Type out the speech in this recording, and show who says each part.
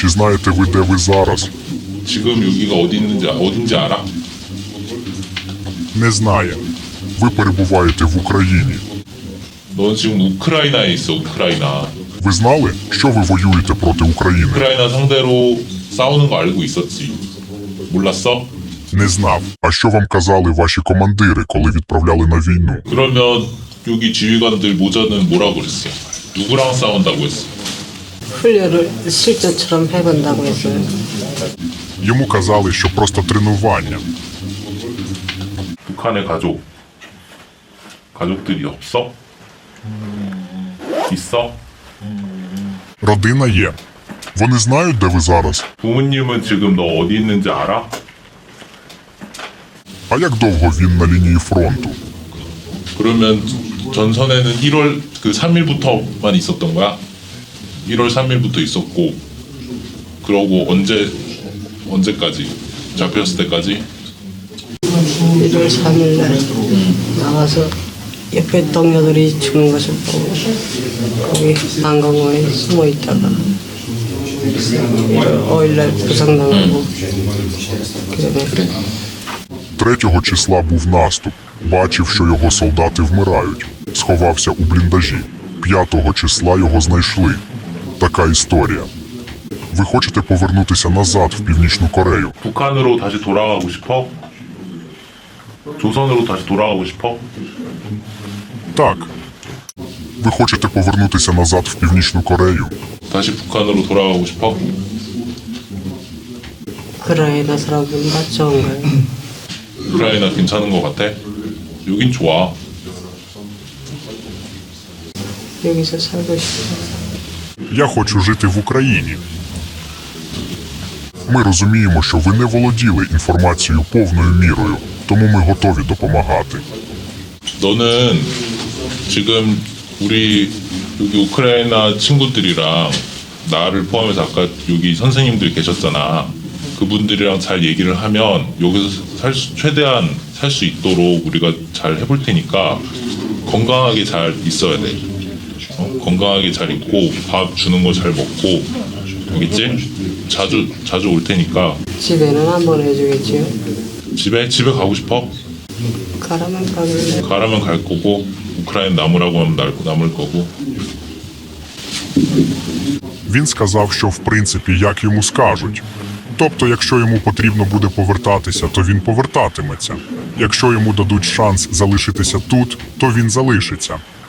Speaker 1: Чи знаєте ви, де ви зараз?
Speaker 2: 지금 여기가 어딘지 알아?
Speaker 1: Не знає. Ви перебуваєте в Україні.
Speaker 2: 넌 지금 우크라이나에 있어, 우크라이나.
Speaker 1: Ви знали, що ви воюєте проти України?
Speaker 2: 우크라이나 상대로 싸우는 거 알고 있었지. 몰랐어?
Speaker 1: Не знав. А що вам казали ваші командири, коли відправляли на війну?
Speaker 2: 그러면 여기 지휘관들 모자는 뭐라고 그랬어? 누구랑 싸운다고 했어?
Speaker 3: 훈련을 실전처럼 해본다고 했어요.
Speaker 1: Йому казали, що просто тренування.
Speaker 2: 북한의 가족들이 없어? 있어?
Speaker 1: Родина є. Вони знають, де ви зараз?
Speaker 2: 부모님은 지금 너 어디 있는지 알아?
Speaker 1: А як довго він на лінії фронту?
Speaker 2: 그러면 전선에는 1월 3일부터만 있었던 거야? 1월 3일부터 있었고 그러고 언제까지? 잡혔을 때까지?
Speaker 3: 1월 3일 날 나와서 옆에 동료들이 죽는 것을 보고 거기 난강원에 숨어 있다가 5일 날 부상당하고 그다음에
Speaker 1: 3 числа був наступ. Бачив, що його солдати вмирають. Сховався у бліндажі. 5 числа його знайшли. Така історія. Ви хочете повернутися назад в Північну Корею?
Speaker 2: 북한으로 다시 돌아가고 싶어? 조선으로 다시 돌아가고 싶어?
Speaker 1: Так. Ви хочете повернутися назад в Північну Корею?
Speaker 2: 다시 북한으로 돌아가고 싶어?
Speaker 3: 우크라이나 사람들은 다 좋은가요?
Speaker 2: 우크라이나 괜찮은 것 같아? 여긴 좋아.
Speaker 3: 여기서 살고 싶어요.
Speaker 1: Я хочу жити в Україні. Ми розуміємо, що ви не володіли інформацією повною мірою, тому ми готові допомагати.
Speaker 2: 너는 지금 우리 여기 우크라이나 친구들이랑 나를 포함해서 아까 여기 선생님들 계셨잖아. 그분들이랑 잘 얘기를 하면 여기서 최대한 살 수 있도록 우리가 잘 해볼 테니까 건강하게 잘 있어야 돼. 건강하게 잘 있고 밥 주는 거 잘 먹고 알겠지? 자주 올 테니까.
Speaker 3: 집에는 한 번 해주겠지요?
Speaker 2: 집에 가고 싶어?
Speaker 3: 가라면 가길래
Speaker 2: 가라면 갈 거고 우크라이나 남으라고 하면 남을 거고.
Speaker 1: Він сказав, що в принципі як йому скажуть. Тобто, якщо йому потрібно буде повертатися, то він повертатиметься. Якщо йому дадуть шанс залишитися тут, то він залишиться.